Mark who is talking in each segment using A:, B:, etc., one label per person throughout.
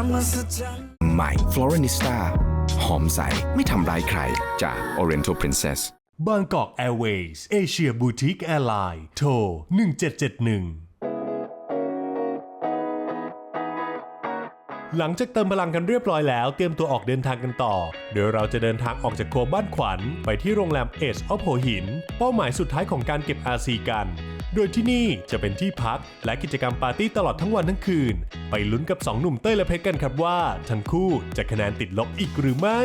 A: ใหม่ Florinista หอมใสไม่ทำร้ายใครจาก Oriental Princess
B: บางกอกแอร์เวย์สเอเชียบูติกแอร์ไลน์โทร1771หลังจากเติมพลังกันเรียบร้อยแล้วเตรียมตัวออกเดินทางกันต่อโดยเราจะเดินทางออกจากโคบ้านขวัญไปที่โรงแรมเอชออฟหัวหินเป้าหมายสุดท้ายของการเก็บ RC กันโดยที่นี่จะเป็นที่พักและกิจกรรมปาร์ตี้ตลอดทั้งวันทั้งคืนไปลุ้นกับ2หนุ่มเต้ยและเพชรกันครับว่าทั้งคู่จะคะแนนติดลบอีกหรือไม่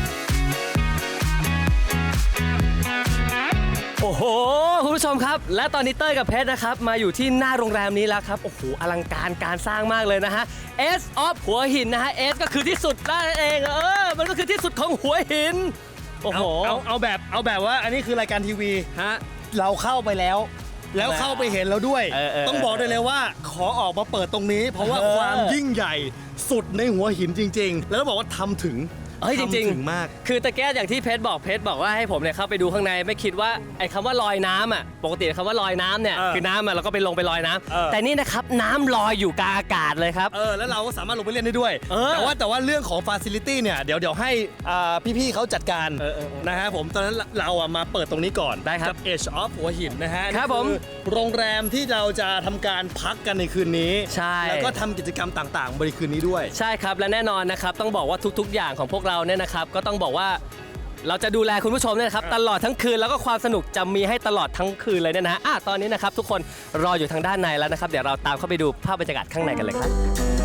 C: โอ้โหคุณผู้ชมครับและตอนนี้เต้ยกับเพชรนะครับมาอยู่ที่หน้าโรงแรมนี้แล้วครับโอ้โหอลังการการสร้างมากเลยนะฮะ S of หัวหินนะฮะ S ก็คือที่สุดนั่นเองมันก็คือที่สุดของหัวหินโอ้โห
D: เอาแบบว่าอันนี้คือรายการทีวี
C: ฮะ
D: เราเข้าไปแล้วเข้าไปเห็นแล้วด้วยต้องบอกได้เลยว่าขอออกมาเปิดตรงนี้เพราะว่าความยิ่งใหญ่สุดในหัวหินจริงๆแล้วต้องบอกว่าทำถึง
C: จริง
D: มาก
C: คือตะแก้อย่างที่เพชรบอกว่าให้ผมเนี่ยเข้าไปดูข้างในไม่คิดว่าไอ้คำว่าลอยน้ำอ่ะปกติคำว่าลอยน้ำเนี่ยคือน้ำเราก็ไปลงไปลอยน้ำแต่นี่นะครับน้ำลอยอยู่กลางอากาศเลยครับ
D: แล้วเราก็สามารถลงไปเล่นได้ด้วยแต่ว่าเรื่องของฟาซิลิตี้เนี่ยเดี๋ยวให้พี่ๆเขาจัดการนะฮะผมตอนนั้นเรามาเปิดตรงนี้ก่อน
C: ได้ครับ
D: Edge of หัวหินนะฮะ
C: ครับผม
D: โรงแรมที่เราจะทำการพักกันในคืนนี้
C: ใช่
D: แล้วก็ทำกิจกรรมต่างๆบริคืนนี้ด้วย
C: ใช่ครับและแน่นอนนะครับต้องบอกว่าทุกๆอย่างของพวกเราเนี่ยนะครับก็ต้องบอกว่าเราจะดูแลคุณผู้ชมเนี่ยครับตลอดทั้งคืนแล้วก็ความสนุกจะมีให้ตลอดทั้งคืนเลยเนี่ยนะตอนนี้นะครับทุกคนรออยู่ทางด้านในแล้วนะครับเดี๋ยวเราตามเข้าไปดูภาพบรรยากาศข้างในกันเลยครับ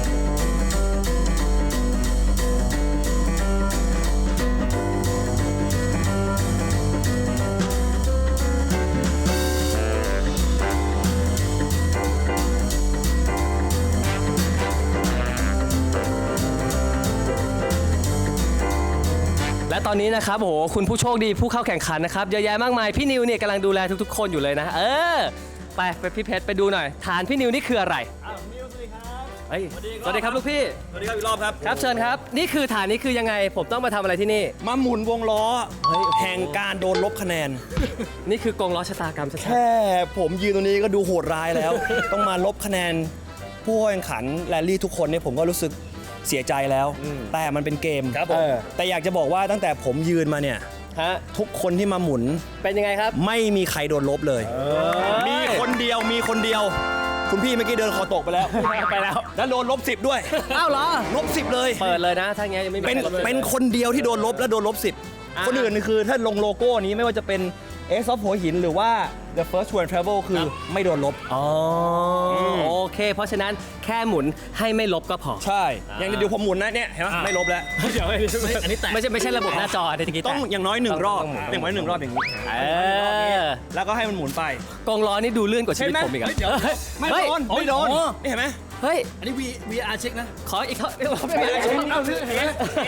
C: และตอนนี้นะครับโอ้โหคุณผู้โชคดีผู้เข้าแข่งขันนะครับเยอะแยะมากมายพี่นิวเนี่ยกำลังดูแลทุกๆคนอยู่เลยนะไปพี่เพชรไปดูหน่อยฐานพี่นิวนี่คืออะไร
D: นิวสวัสดีครับ
C: สวัสดีครับลูกพี่
D: สวัสดีครับอีกรอบครับ
C: ครับเชิญครับนี่คือฐานนี้คือยังไงผมต้องมาทำอะไรที่นี่
D: มาหมุนวงล้อแห่งการโดนลบคะแนน
C: นี่คือกงล้อชะตากรรม
D: แค่ผมยืนตรงนี้ก็ดูโหดร้ายแล้ว ต้องมาลบคะแนนผู้แข่งขันแรลลี่ทุกคนเนี่ยผมก็รู้สึกเสียใจแล้วแต่มันเป็นเกม
C: ครับ
D: แต่อยากจะบอกว่าตั้งแต่ผมยืนมาเนี่ยทุกคนที่มาหมุน
C: เป็นยังไงครับ
D: ไม่มีใครโดนลบเลยมีคนเดียวคุณพี่เมื่อกี้เดินคอตกไปแล้วแล้วโดนลบ10ด้วย
C: อ้าวเหรอ
D: ลบ10เลย
C: เปิดเลยนะถ้างี้ยังไม่มี
D: เป็นคนเดียวที่โดนลบและโดนลบ10คนอื่นคือถ้าลงโลโก้นี้ไม่ว่าจะเป็นAce of หัวหินหรือว่า The First Tour and Travel คือไม่โดนลบ
C: โอเคเพราะฉะนั้นแค่หมุนให้ไม่ลบก็พอ
D: ใช่อย่างเดี๋ยวผมหมุนนะเนี่ยเห็นไหมไม่ลบแล้ว
C: เดี๋ยวอันนี้ไม่ใช่ระบบหน้าจอ
D: ต้องอย่างน้อย1รอบอย่างน้อย1รอบอย่างนี้แล้วก็ให้มันหมุนไป
C: กองล้อนี่ดูเลื่อนกว่าชีวิตผมอีก
D: ไม่โดนนี่เห็นไหม
C: เฮ้ย
D: อันนี้ VR เช็คนะ
C: ขออีกเขาไม่
D: เช็คเอาเห็นไหม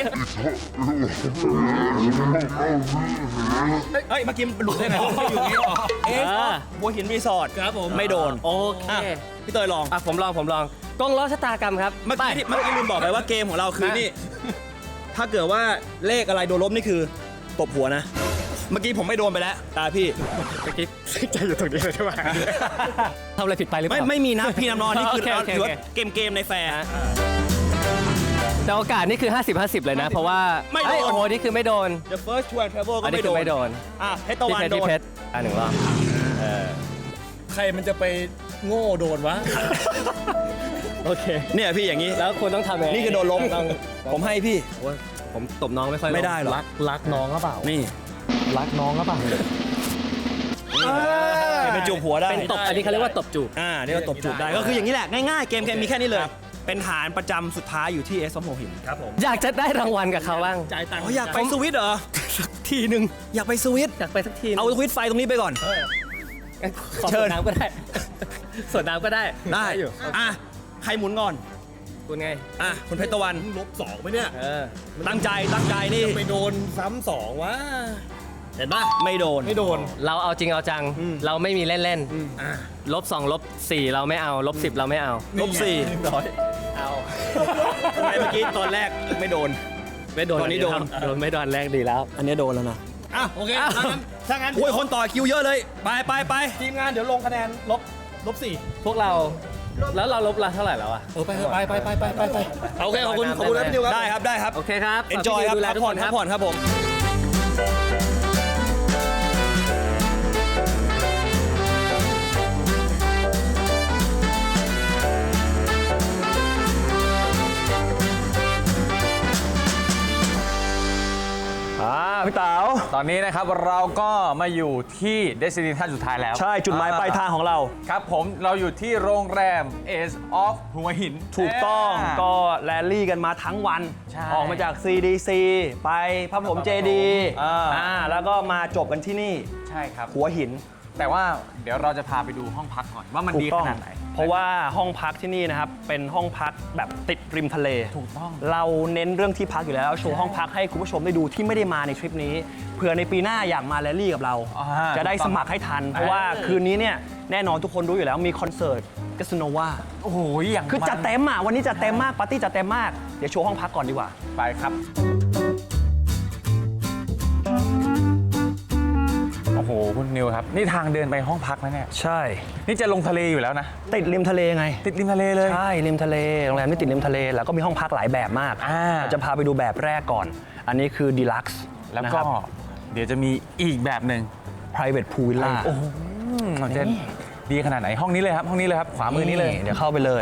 D: เฮ้ยเมื่อกี้มันหลุดได้ไงอยู่นี่หัวหินรีสอร์ท
C: ครับผม
D: ไม่โดน
C: โอเค
D: พี่เตยลอง
C: ผมลองกองล้อชะตากรรมครับ
D: เมื่อกี้ลืมบอกไปว่าเกมของเราคือนี่ถ้าเกิดว่าเลขอะไรโดนลบนี่คือตบหัวนะเมื่อกี้ผมไม่โดนไปแล้วตาพี่
C: เมื่อกี้ใจอยู่ตรงนี้เลยใช่ไหมทำอะไรผิดไปหรือเปล่า
D: ไม่มีนะพี่น้ำนอนนี่คือถือว่าเกมในแฟร์
C: แต่โอกาสนี่คือ50-50เลยนะเพราะว่า
D: ไม่โดน
C: โอ้โหนี่คือไม่โดน
D: The First Tour and Travel ก็ไม่โดนเพชรตะวันโดน
C: หนึ่งรอบ
D: ใครมันจะไปโง่โดนวะ
C: โอเค
D: เนี่ยพี่อย่างนี้
C: แล้วคุณต้องทำไง
D: นี่คือโดนล้มผมให้พี่
C: ผมตบน้องไม่ค่อย
D: ไม่ได้หรอก
C: รักน้องหรือเปล่า
D: นี่
C: รักน้องหรือเปล่า
D: เป็นจูบหัวได้
C: เป็นตบอันนี้เขาเรียกว่าตบจูบ
D: เรียกว่าตบจูบได้ก็คืออย่างนี้แหละง่ายๆเกมมีแค่นี้เลยเป็นฐานประจำสุดท้ายอยู่ที่Ace of หัวหินครับผม
C: อยากจะได้รางวัลกับเขาบ้าง
D: จ่ายตังค์อยากไปสวิตเหรอ
C: สักทีนึง
D: อยากไปสวิต
C: อยากไปสักที
D: เอาสวิตไฟตรงนี้ไปก่อน
C: เชิญน้ำก็ได้ส่วนน้ำก็ได้
D: อยู่ใครหมุนก่อน
C: คุณไง
D: คุณเพชรตะวัน
E: ลบ2ไหมเนี่ย
D: ตั้งใจนี่
E: ไปโดนซ้ำ2วะ
D: เห็นปะไม่โดน
C: เราเอาจริงเอาจังเราไม่มีเล่นๆลบ2ลบ4เราไม่เอาลบ10เราไม่เอา
D: ลบ4
C: เอา
D: ทำไมเมื่อกี้ตอนแรกไม่โดนตอนนี้โดน
C: ไม่โดนแรกดีแล้ว
D: อันนี้โดนแล้วนะ
E: โอเคถ้างั้น
D: โอ้ยคนต่อคิวเยอะเลยไป
E: ทีมงานเดี๋ยวลงคะแนนลบ4
C: พวกเราแล้วเราลบละเท่าไหร่แล้วอะ
E: ไป
D: โอเคขอบคุณนะพี่นิวครับ
E: ได้ครับ
C: โอเคครับ
E: enjoy ครับ
C: ดูแล
E: พัก
C: ทุก
E: ผ่
C: ค
E: อน
C: น
E: พั
C: ค
E: ก
C: รับ
E: ผ่อนครับผม
F: พี่เต๋า
G: ตอนนี้นะครับเราก็มาอยู่ที่เดสตินีท่านสุดท้ายแล้ว
F: ใช่จุดหมายปลายทางของเรา
G: ครับผมเราอยู่ที่โรงแรม Ace of หัวหิน
F: ถูกต้อง
G: า
F: ก็แรลลี่กันมาทั้งวัน
G: ใช่
F: ออกมาจาก CDC ไปพระผมเจดี แล้วก็มาจบกันที่นี่
G: ใช่ครับ
F: หัวหิน
G: แต่ว่าเดี๋ยวเราจะพาไปดูห้องพักก่อนว่ามัน
F: ถู
G: ดี
F: กต้
G: ข
F: อง
G: นาดไหน
F: เพราะว่าห้องพักที่นี่นะครับ เป็นห้องพักแบบติดริมทะเล
G: ถูกต้อง
F: เราเน้นเรื่องที่พักอยู่แล้วโชว์ห้องพักให้คุณผู้ชมได้ดูที่ไม่ได้มาในทริปนี้เผื่อในปีหน้าอยากมาแรลลี่กับเรา จะได้สมัครให้ทัน เพราะว่าคืนนี้เนี่ยแน่นอนทุกคนรู้อยู่แล้วมีคอนเสิร์ตกัสโนวา
G: โอ้โหอย่าง
F: คือจัด
G: มัน
F: เต็มอ่ะวันนี้จัดเต็มมากปาร์ตี้จัดเต็มมากเดี๋ยวโชว์ห้องพักก่อนดีกว่า
G: ไปครับโอ้โหคุณนิวครับนี่ทางเดินไปห้องพักนะเนี่ย
F: ใช่
G: นี่จะลงทะเลอยู่แล้วนะ
F: ติดริมทะเลไง
G: ติดริมทะเลเลย
F: ใช่ริมทะเลโรงแรมนี่ติดริมทะเลแล้วก็มีห้องพักหลายแบบมาก เราจะพาไปดูแบบแรกก่อน อันนี้คือ Deluxe
G: แล้ว
F: นะค
G: ก็
F: รับ
G: เดี๋ยวจะมีอีกแบบหนึ่ง
F: Private Pool Villa
G: โอ้โหมันจะดีขนาดไหนห้องนี้เลยครับห้องนี้เลยครับขวามือนี้เลย
F: เดี๋ยวเข้าไปเลย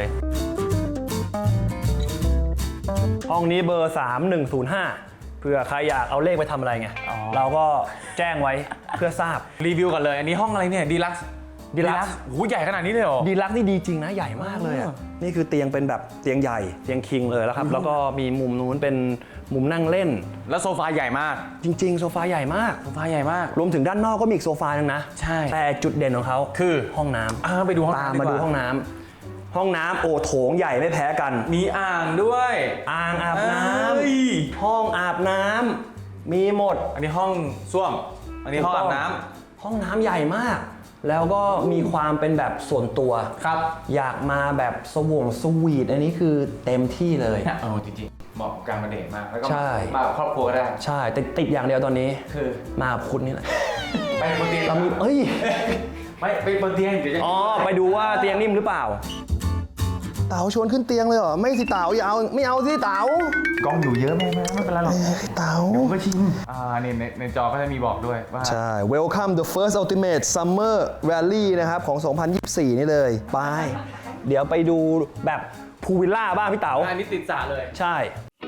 F: ห้องนี้เบอร์ 3105เผื่อใครอยากเอาเลขไปทำอะไรไง เราก็แจ้งไว้เพื่อทราบ
G: รีวิวก่อนเลยอันนี้ห้องอะไรเนี่ยดีลักซ์
F: Deluxe
G: โอ้โหใหญ่ขนาดนี้เลยเหรอ
F: ดีลักซ์นี่ดีจริงนะใหญ่มากเลยอะนี่คือเตียงเป็นแบบเตียงใหญ่เตียงคิงเลยแล้วครับ แล้วก็มีมุมนู้นเป็นมุมนั่งเล่น
G: แล้วโซฟาใหญ่มาก
F: จริง ๆ โซฟาใหญ่มาก
G: โซฟาใหญ่มาก
F: รวมถึงด้านนอกก็มีอีกโซฟาหนึงนะ
G: ใช่
F: แต่จุดเด่นของเขา
G: คือ
F: ห้องน้ำ
G: ไปดูห้อง
F: ตาม
G: น้ำ
F: มาดู
G: กว่
F: ห้องน้ำห้องน้ำโอโถงใหญ่ไม่แพ้กัน
G: มีอ่างด้วย
F: อ่างอาบน้
G: เอ้ย
F: ำห้องอาบน้ำมีหมด
G: อันนี้ห้องส้วมอันนี้ห้องอาบน้
F: ห้องน้ำใหญ่มาก แล้วก็มีความเป็นแบบส่วนตัว
G: ำครับ
F: อยากมาแบบสวีทอันนี้คือเต็มที่เลย
G: จริงๆเหมาะกับการมาเดทมากแล้วก็
F: ใช่
G: มากับครอบครัวก็ได้
F: ใช่แต่ติดอย่างเดียวตอนนี้
G: คือ
F: มากับคุณนี่แหละ
G: ไปบนเตียง
F: เรามีเอ้ย
G: ไม่ไปบนเตียงเดี๋ยวจะ
F: อ๋อ ไปดูว่าเตียงนิ่มหรือเปล่า เต๋าชวนขึ้นเตียงเลยเหรอ ไม่สิเต๋าอย่าเอาไม่เอาสิเต๋าก
G: ล้องอยู่เยอะไม่เป็นไรหรอก
F: เต๋า
G: ผมก็ชิมนี่ในจอก็จะมีบอกด้วยว่า
F: ใช่ Welcome the first ultimate summer rally นะครับ ของ 2024 นี่เลย ไป เดี๋ยวไปดูแบบพูลวิลล่าบ้างพี่เต๋า
G: อันนี้ติดสระเลย
F: ใช่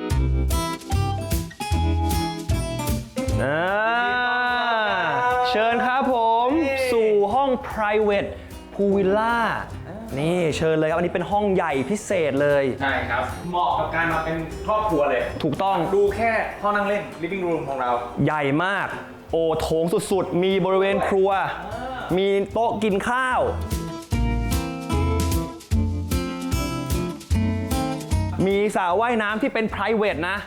F: เชิญครับผมสู่ห้อง private pool villa นี่เชิญเลยครับ อันนี้เป็นห้องใหญ่พิเศษเลย
G: ใช่ครับ เหมาะกับการมาเป็นครอบครัวเลย
F: ถูกต้อง
G: ดูแค่ห้องนั่งเล่น living room ของเรา
F: ใหญ่มาก โอโถงสุดๆ มีบริเวณครัว มีโต๊ะกินข้าว มีสระว่ายน้ำที่เป็น private นะ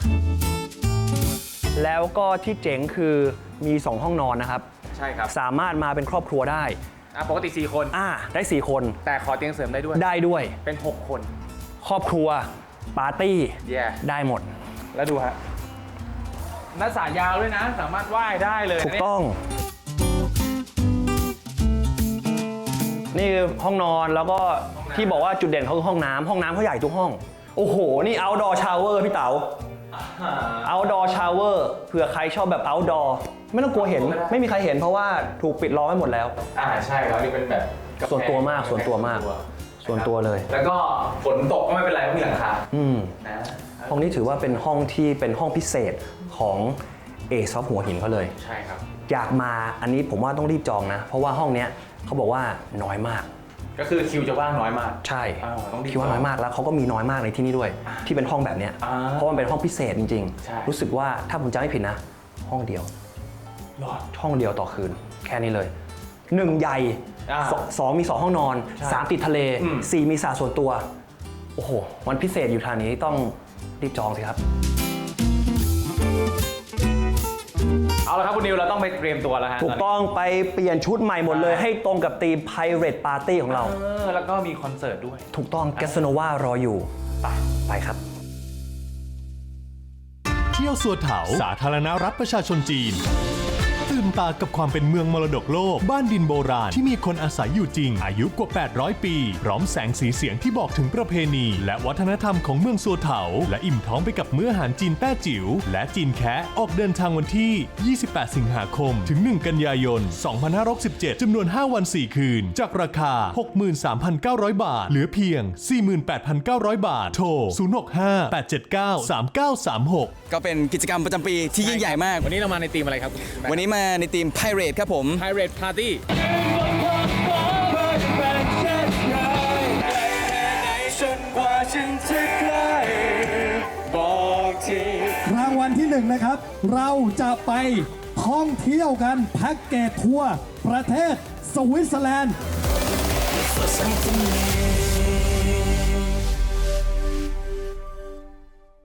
F: แล้วก็ที่เจ๋งคือมี 2 ห้องนอนนะครับ
G: ใช่ครับ
F: สามารถมาเป็นครอบครัวได้
G: ปกติ4คน
F: ได้ 4 คน
G: แต่ขอเตียงเสริมได้ด้วย
F: ได้ด้วย
G: เป็น 6 คน
F: ครอบครัว ปาร์ตี้
G: Yeah
F: ได้หมด
G: แล้วดูฮะหน้าสระยาวด้วยนะ สามารถว่ายได้เลย
F: ถูกต้อง นี่คือห้องนอนแล้วก็ที่บอกว่าจุดเด่นเขาคือห้องน้ำเขาใหญ่ทุกห้อง โอ้โห นี่ outdoor shower พี่เต๋า outdoor shower เผื่อใครชอบแบบ outdoor ไม่ต้องกลัวเห็น ไม่มีใครเห็นเพราะว่าถูกปิดล้อมไว้หมดแล้ว
G: ใช่ครับนี่เป็นแบบกาแฟ
F: ส่วนตัวมากส่วนตัวมาก ส่วนตัวเลย
G: แล้วก็ฝนตกก็ไม่เป็นไรเพราะมีหลังคา นะ
F: ห้องนี้ถือว่าเป็นห้องที่เป็นห้องพิเศษของเอซอฟหัวหินเขาเลย
G: ใช่ครับ
F: อยากมาอันนี้ผมว่าต้องรีบจองนะ เพราะว่าห้องเนี้ยเขาบอกว่าน้อยมาก
G: ก็คือคิวจะว่างน้อยมาก
F: ใช่
G: ต้องรีบ
F: คิดว่าน้อยมากแล้วเขาก็มีน้อยมากในที่นี่ด้วย ที่เป็นห้องแบบเนี้ย เพราะมันเป็นห้องพิเศษจริง
G: ใช่
F: รู้สึกว่าถ้าผมจำไม่ผิดนะ ห้องเดียว ห้องเดียวต่อคืน แค่นี้เลย 1 ใหญ่ สองมี 2 ห้องนอน 3 ติดทะเล 4 มีสระส่วนตัว โอ้โหมันพิเศษอยู่ทางนี้ต้องรีบจองสิครับ
G: เอาละครับคุณนิวเราต้องไปเตรียมตัวแล้วฮะ
F: ถูกต้องไปเปลี่ยนชุดใหม่หมดเลย ให้ตรงกับธีม Pirate Party ของเรา
G: แล้วก็มีคอนเสิร์ตด้วย
F: ถูกต้องแกสโนวารออยู่ ไปครับ
B: เที่ยวสัวเถาสาธารณรัฐประชาชนจีน ตื่ตื่นตากับความเป็นเมืองมรดกโลกบ้านดินโบราณที่มีคนอาศัยอยู่จริงอายุกว่า 800 ปีพร้อมแสงสีเสียงที่บอกถึงประเพณีและวัฒนธรรมของเมืองซัวเถาและอิ่มท้องไปกับมื้ออาหารจีนแต้จิ๋วและจีนแคะออกเดินทางวันที่ 28 สิงหาคมถึง 1 กันยายน 2567 จำนวน 5 วัน 4 คืนจากราคา 63,900 บาทเหลือเพียง 48,900 บาทโทร 065-879-3936
H: ก็เป็นกิจกรรมประจำปีที่ยิ่งใหญ่มาก
G: วันนี้เรามาในทีมอะไรครับ
H: วันนี้มาในทีม Pirate ครับผม
G: Pirate Party
I: รางวัลที่ 1 นะครับ เราจะไปท่องเที่ยวกันแพ็กเกจทัวร์ประเทศสวิตเซอร์แลนด์